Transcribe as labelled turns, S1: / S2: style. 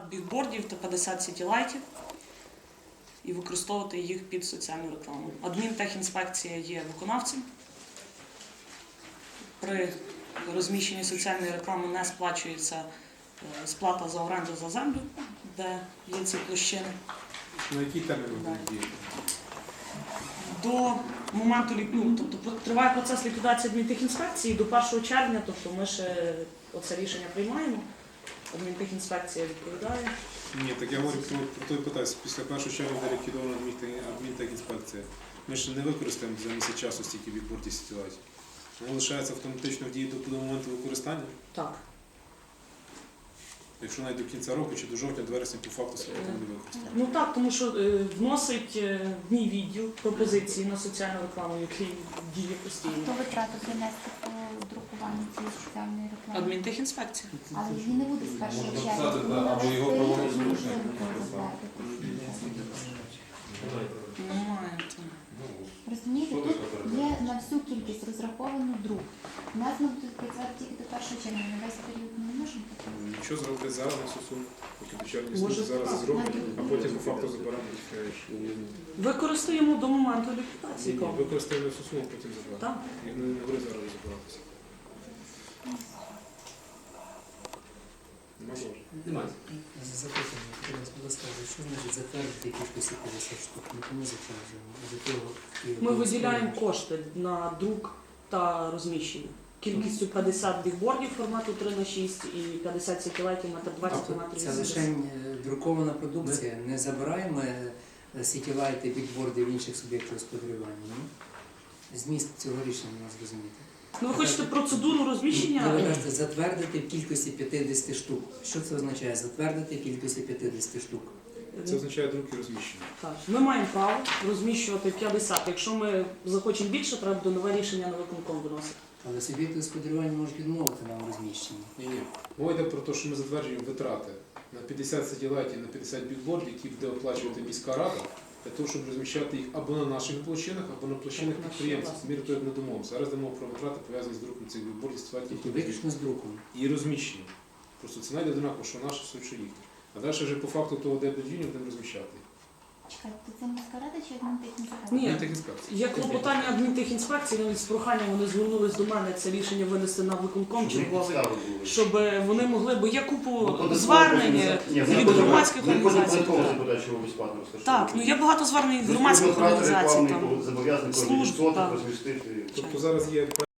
S1: бігбордів та 50 сітілайтів і використовувати їх під соціальну рекламу. Адмінтехінспекція є виконавцем. При розміщенні соціальної реклами не сплачується сплата за оренду за землю, де є ці площини.
S2: На який термін будуть діяти?
S1: До моменту, тобто триває процес ліквідації адмінтехінспекції до 1 червня, тобто ми ще оце рішення приймаємо, адмінтехінспекція відповідає.
S2: Ні, так я говорю про той питаюся. Після 1 червня буде ліквідована адмінтехінспекція. Ми ще не використаємо за місяць часу стільки бігбордів сітілайтів. Воно лишається автоматично в дії до моменту використання?
S1: Так.
S2: Якщо навіть до кінця року чи до жовтня, до вересня по факту себе не використання.
S1: Ну так, тому що вносить мій відділ пропозиції на соціальну рекламу, який діє постійно.
S3: Хто витрату принести по друкуванню цієї соціальної реклами?
S1: Адмінтехінспекція.
S3: Але її не буде з 1 червня.
S4: або його проводити
S1: Немає.
S3: Розумієте, тут є на всю кількість розраховану друк. У нас ми будуть працювати тільки до 1 червня, на весь період ми не можемо працювати.
S2: Нічого зробити зараз на сусу, поки до червня
S1: Може,
S2: служби зараз
S1: так.
S2: зроблять, а потім по факту заберемо.
S1: Використаємо до моменту ліквідації.
S2: Використаємо на сусу, а потім заберемо.
S1: Так.
S2: Не говори зараз розбиратися.
S4: Немає.
S5: Запитання, будь ласка, що значить затвердити кількості 50 штук? Ми кому затверджуємо?
S1: Ми виділяємо кошти на друк та розміщення. Кількістю 50 бігбордів формату 3х6 і 50 сітілайтів метр 20 метрів.
S5: Це лише друкована продукція. Не забираємо сітілайти, бігборди в інших суб'єктів господарювання. Ні? Зміст цього рішення у нас розумієте.
S1: Ну ви хочете процедуру розміщення?
S5: Ви кажете, затвердити в кількості 50 штук. Що це означає? Затвердити в кількості 50 штук.
S2: Це означає друк і розміщення.
S1: Так. Ми маємо право розміщувати 50. Якщо ми захочемо більше, треба буде нове рішення на виконком виносити.
S5: Але суб'єкти господарювання можуть відмовити нам у розміщенні.
S2: Ні. Мова йде про те, що ми затверджуємо витрати на 50 сателітів, на 50 бігбордів, які буде оплачувати міська рада, для того, щоб розміщати їх або на наших площинах, або на площинах підприємців. Мір того не домовився. Зараз йдемо про витрати, пов'язані з друком цих бігбордів,
S5: Тобто виключно з друком.
S2: і розміщенням. Просто ціна йде однаково, що наше, що їхнє. А далі вже по факту того, де будівлі, будемо розміщати.
S3: Чекайте, це міська рада чи адмінтехінспекція?
S1: Ні.
S2: Адмінтехінспекція.
S1: Є клопотання адмінтехінспекції, навіть з проханням вони звернулись до мене, це рішення винести на виконком черговий, щоб вони могли, бо є купу звернень від громадських організацій. Так, ну є багато звернень від громадських організацій, там, служб, так.
S2: Тобто зараз є